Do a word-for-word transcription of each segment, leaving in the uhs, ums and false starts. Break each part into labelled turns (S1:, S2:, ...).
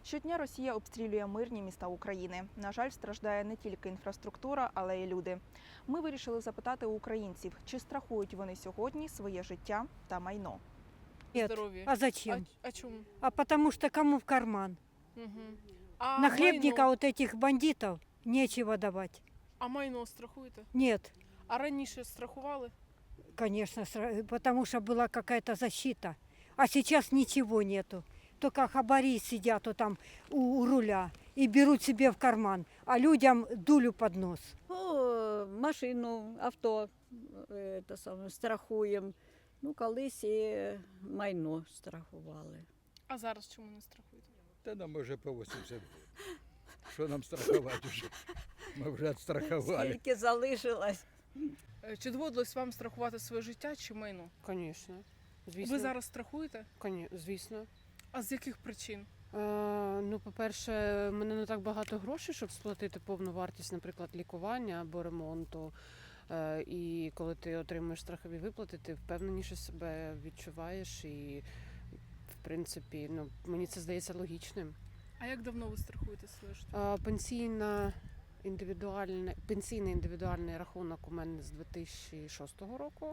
S1: Щодня Росія обстрілює мирні міста України. На жаль, страждає не тільки інфраструктура, але й люди. Ми вирішили запитати у українців, чи страхують вони сьогодні своє життя та майно.
S2: Нет.
S3: Здоровье.
S2: А зачем?
S3: А, а чому?
S2: А потому что кому в карман?
S3: Угу. А
S2: На хлебника
S3: майно?
S2: вот этих бандитов нечего давать.
S3: А майно страхуєте?
S2: Нет,
S3: А раніше страхували?
S2: конечно, сра- потому что была какая-то защита. А сейчас ничего нету. Только хабари сидят вот там у, у руля и берут себе в карман, а людям дулю под нос.
S4: Ну, машину, авто е, те саме, страхуємо. Ну, колись і майно страхували.
S3: А зараз чому не страхуєте?
S5: Та нам вже по вісімдесят. Що нам страхувати вже? Ми вже відстрахували.
S4: Скільки залишилось.
S3: Е, Чи доводилось вам страхувати своє життя чи майно?
S6: Звісно. Звісно.
S3: Ви зараз страхуєте?
S6: Коні- Звісно.
S3: А з яких причин?
S6: Е, ну, по-перше, в мене не так багато грошей, щоб сплатити повну вартість, наприклад, лікування або ремонту. Е, і коли ти отримуєш страхові виплати, ти впевненіше себе відчуваєш. І, в принципі, ну, мені це здається логічним.
S3: А як давно ви страхуєте своє життя?
S6: Е, пенсійна індивідуальна, пенсійний індивідуальний рахунок у мене з дві тисячі шостого року.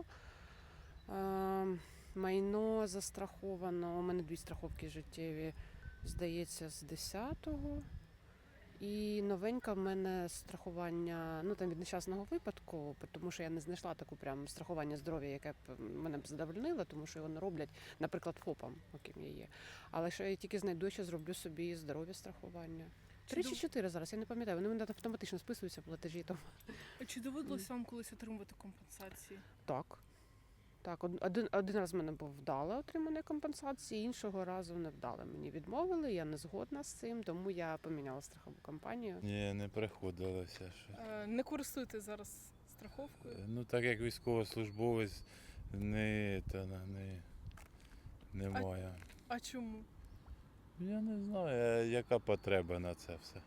S6: Е, майно застраховано, у мене дві страховки життєві, здається, з десятого. І новенька в мене страхування, ну там від нещасного випадку, тому що я не знайшла таку прям страхування здоров'я, яке б мене б задовольнило, тому що його не роблять, наприклад, ФОПам, яким я є. Але що я тільки знайду, що зроблю собі здоров'я страхування. Три чи
S3: дов-
S6: чотири зараз, я не пам'ятаю, вони в мене автоматично списуються платежі. Тому.
S3: Чи доводилось вам колись отримувати компенсації?
S6: Так. Так, од- один, один раз в мене був вдале отримання компенсації, іншого разу не вдале. Мені відмовили, я не згодна з цим, тому я поміняла страхову компанію.
S7: Ні, не приходилося ще.
S3: Е, Не користуєтесь зараз страховкою?
S7: Ну так як військовослужбовець не, та, на- не, немає.
S3: А чому?
S7: Я не знаю, а яка потреба на це все.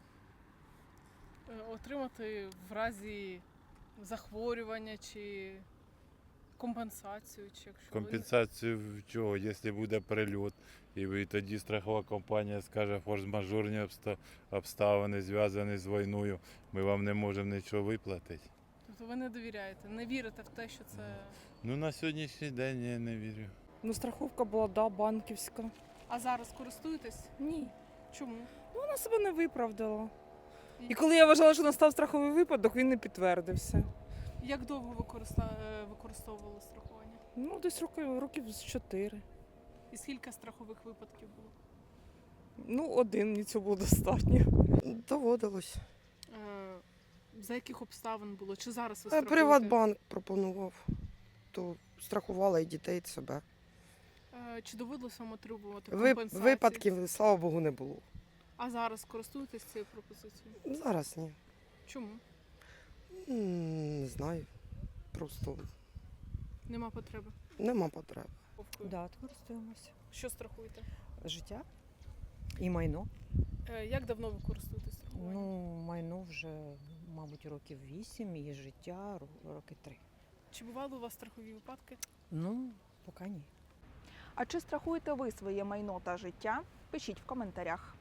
S3: Е, Отримати в разі захворювання чи компенсацію, чи якщо ви-
S7: Компенсацію в чого, якщо буде прильот, і ви- тоді страхова компанія скаже форс-мажорні обста- обставини, зв'язані з війною, ми вам не можемо нічого виплатити.
S3: Тобто ви не довіряєте, не вірите в те, що це.
S7: Ну на сьогоднішній день я не вірю.
S8: Ну, страховка була, да, банківська.
S3: А зараз користуєтесь?
S8: Ні.
S3: Чому?
S8: Ну, вона себе не виправдала.
S3: І-
S8: І коли я вважала, що настав страховий випадок, він не підтвердився.
S3: Як довго ви користа- е, використовували страхування?
S8: Ну, десь років, років з чотири.
S3: І скільки страхових випадків було?
S8: Ну, один, мені цього було достатньо.
S9: Доводилось.
S3: Е, За яких обставин було? Чи зараз ви
S9: Е,
S3: страхуєте?
S9: Приватбанк пропонував, то страхувала і дітей, і себе.
S3: Е, Чи доводилось вам отримувати
S9: Ви,
S3: компенсації?
S9: випадків, слава Богу, не було.
S3: А зараз користуєтесь цією пропозицією?
S9: Зараз ні.
S3: Чому?
S9: М, Не знаю. Просто
S3: Нема потреби.
S9: нема потреби.
S3: Страховкою?
S10: Да, користуємося.
S3: Що страхуєте?
S10: Життя і майно.
S3: Е, Як давно ви користуєтесь страхуванням?
S10: Ну, майно вже, мабуть, років вісім, і життя ро- роки три.
S3: Чи бували у вас страхові випадки?
S10: Ну, поки ні.
S1: А чи страхуєте ви своє майно та життя? Пишіть в коментарях.